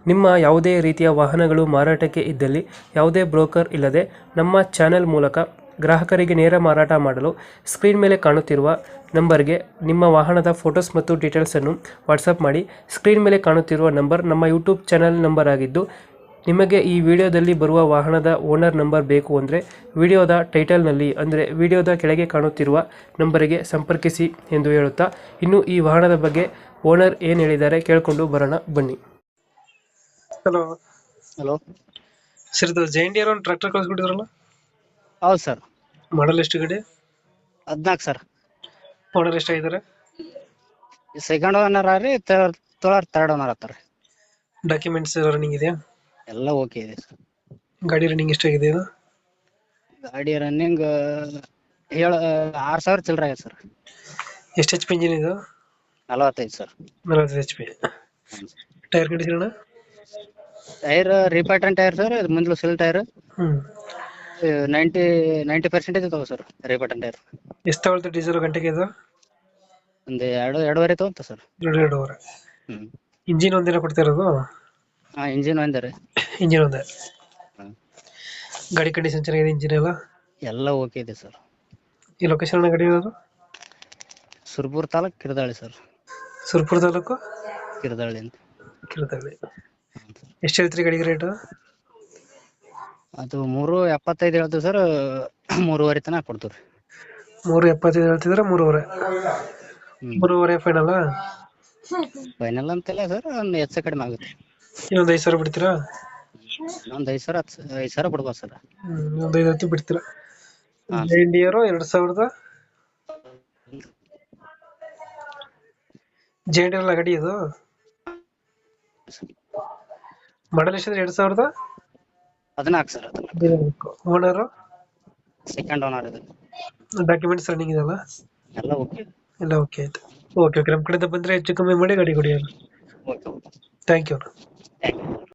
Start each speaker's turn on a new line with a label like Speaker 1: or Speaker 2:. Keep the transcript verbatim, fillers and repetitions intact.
Speaker 1: ನಿಮ್ಮ ಯಾವುದೇ ರೀತಿಯ ವಾಹನಗಳು ಮಾರಾಟಕ್ಕೆ ಇದ್ದಲ್ಲಿ ಯಾವುದೇ ಬ್ರೋಕರ್ ಇಲ್ಲದೆ ನಮ್ಮ ಚಾನೆಲ್ ಮೂಲಕ ಗ್ರಾಹಕರಿಗೆ ನೇರ ಮಾರಾಟ ಮಾಡಲು ಸ್ಕ್ರೀನ್ ಮೇಲೆ ಕಾಣುತ್ತಿರುವ ನಂಬರ್ಗೆ ನಿಮ್ಮ ವಾಹನದ ಫೋಟೋಸ್ ಮತ್ತು ಡೀಟೇಲ್ಸನ್ನು ವಾಟ್ಸಪ್ ಮಾಡಿ. ಸ್ಕ್ರೀನ್ ಮೇಲೆ ಕಾಣುತ್ತಿರುವ ನಂಬರ್ ನಮ್ಮ ಯೂಟ್ಯೂಬ್ ಚಾನೆಲ್ ನಂಬರ್ ಆಗಿದ್ದು, ನಿಮಗೆ ಈ ವಿಡಿಯೋದಲ್ಲಿ ಬರುವ ವಾಹನದ ಓನರ್ ನಂಬರ್ ಬೇಕು ಅಂದರೆ ವಿಡಿಯೋದ ಟೈಟಲ್ನಲ್ಲಿ ಅಂದರೆ ವಿಡಿಯೋದ ಕೆಳಗೆ ಕಾಣುತ್ತಿರುವ ನಂಬರಿಗೆ ಸಂಪರ್ಕಿಸಿ ಎಂದು ಹೇಳುತ್ತಾ, ಇನ್ನು ಈ ವಾಹನದ ಬಗ್ಗೆ ಓನರ್ ಏನು ಹೇಳಿದ್ದಾರೆ ಕೇಳಿಕೊಂಡು ಬರೋಣ ಬನ್ನಿ. ಹಲೋ
Speaker 2: ಹಲೋ
Speaker 1: ಸರ್, ಇದು ಜೈಂಡಿಯರ್ ಒಂದು ಟ್ರ್ಯಾಕ್ಟರ್ ಕಳಿಸ್ಬಿಟ್ಟಿದ್ರಲ್ಲ,
Speaker 2: ಹೌದು ಸರ್.
Speaker 1: ಮಾಡಲ್ ಎಷ್ಟು ಗಡಿ?
Speaker 2: ಹದಿನಾಲ್ಕು ಸರ್.
Speaker 1: ಓನರ್ ಎಷ್ಟಾಗಿದ್ದಾರೆ?
Speaker 2: ಸೆಕೆಂಡ್ ಓನರ್ ರೀ, ತೊಳರ್ ತರ್ಡ್ ಓನರ್ ಆತಾರ.
Speaker 1: ಡಾಕ್ಯುಮೆಂಟ್ಸ್ ರನ್ನಿಂಗ್ ಇದೆಯಾ?
Speaker 2: ಎಲ್ಲ ಓಕೆ ಇದೆ ಸರ್.
Speaker 1: ಗಾಡಿ ರನ್ನಿಂಗ್ ಎಷ್ಟಾಗಿದೆ ಇದು?
Speaker 2: ಗಾಡಿ ರನ್ನಿಂಗ್ ಏಳು ಆರು ಸಾವಿರ ಚಿಲ್ಲರೆ ಆಗಿದೆ ಸರ್.
Speaker 1: ಎಷ್ಟು ಎಚ್ ಪಿ ಇಂಜಿನ್ ಇದು?
Speaker 2: ನಲವತ್ತೈದು ಸರ್.
Speaker 1: ನಲವತ್ತೈದು H P. Tyre condition?
Speaker 2: Tyre ರೀಪಾರ್ಟನ್ ಟೈರ್ ಸರ್, ಮುಂದ್ಲು ಸಿಲ್ tyre
Speaker 1: hmm
Speaker 2: ninety ninety percentage ಇದಾವೆ ಸರ್. ರೀಪಾರ್ಟನ್ ಟೈರ್
Speaker 1: ಎಷ್ಟು ತಗೊಳ್ತಾರೆ ಡೀಸೆಲ್ ಗಂಟೆಗೆ ಇದು?
Speaker 2: ಒಂದು ಎರಡು ಎರಡೂವರೆ ತಗೊಂತ ಸರ್.
Speaker 1: ಎರಡು ಎರಡೂವರೆ.
Speaker 2: ಹ್ಞೂ
Speaker 1: ಇಂಜಿನ್ ಒಂದಿನ ಕೊಡ್ತಾ ಇರೋದು?
Speaker 2: ಹಾಂ, ಇಂಜಿನ್ ಒಂದೇ ರೀ.
Speaker 1: ಇಂಜಿನ್ ಒಂದೇ.
Speaker 2: ಹಾಂ,
Speaker 1: ಗಾಡಿ ಕಂಡೀಷನ್ ಚೆನ್ನಾಗಿದೆ, ಇಂಜಿನ್ ಎಲ್ಲ?
Speaker 2: ಎಲ್ಲ ಓಕೆ ಇದೆ ಸರ್.
Speaker 1: ಈ ಲೊಕೇಶನ್ ಗಾಡಿ ಇರೋದು?
Speaker 2: ಸುರ್ಪುರ್ ತಾಲೂಕು ಕಿರ್ದಾಳಿ ಸರ್.
Speaker 1: ಸುರ್ಪುರ ತಾಲೂಕು
Speaker 2: ಕಿರ್ದಾಳಿ ಅಂತ.
Speaker 1: ಕಿರುತಳ್ಳಿ. ಎಷ್ಟು ಹೇಳ್ತೀರಿ ಗಾಡಿಗೆ ರೇಟು?
Speaker 2: ಅದು ಮೂರು ಎಪ್ಪತ್ತೈದು ಹೇಳ್ತೀವಿ ಸರ್, ಮೂರುವರೆ ತನಕ ಕೊಡ್ತೀವಿ ರೀ.
Speaker 1: ಮೂರು ಎಪ್ಪತ್ತೈದು ಹೇಳ್ತಿದ್ರೆ ಮೂರುವರೆ.
Speaker 2: ಹ್ಞೂ
Speaker 1: ಮೂರುವರೆ ಫೈನಲ್?
Speaker 2: ಫೈನಲ್ ಅಂತೆಲ್ಲ ಸರ್, ಒಂದು ಹೆಚ್ಚು ಕಡಿಮೆ ಆಗುತ್ತೆ.
Speaker 1: ಇನ್ನೊಂದು ಐದು ಸಾವಿರ ಬಿಡ್ತೀರಾ?
Speaker 2: ಒಂದು ಐದು ಸಾವಿರ ಹತ್ತು ಐದು ಸಾವಿರ ಬಿಡ್ಬೋದು ಸರ್.
Speaker 1: ಹ್ಮ್ ಇನ್ನೊಂದು ಐದು ಹತ್ತು ಬಿಡ್ತೀರಾ?
Speaker 2: ಹಾಂ.
Speaker 1: ಜೈಂಡಿಯರು ಎರಡು ಸಾವಿರದ ಜೈಂಡಿಯರ್ ಅಲ್ಲ ಗಾಡಿ ಇದು? ಮಾಡಲ್ ಎಷ್ಟಿದ್ರೆ ಎರಡು ಸಾವಿರದ
Speaker 2: ಹದಿನಾಲ್ಕು ಸರ್. ಹದಿನಾಲ್ಕು
Speaker 1: ಓನರು?
Speaker 2: ಸೆಕೆಂಡ್ ಓನರ್ ಇದೆ.
Speaker 1: ಡಾಕ್ಯುಮೆಂಟ್ಸ್ ರನ್ನಿಂಗ್ ಇದೆಲ್ಲ?
Speaker 2: ಎಲ್ಲ ಓಕೆ.
Speaker 1: ಎಲ್ಲ ಓಕೆ ಆಯ್ತು. ಓಕೆ ಓಕೆ ನಮ್ಮ ಕಡೆಯಿಂದ ಬಂದರೆ ಹೆಚ್ಚು ಕಮ್ಮಿ ಮಾಡಿ ಗಾಡಿ ಕೊಡಿ.
Speaker 2: Okay okay
Speaker 1: thank you.
Speaker 2: Thank you.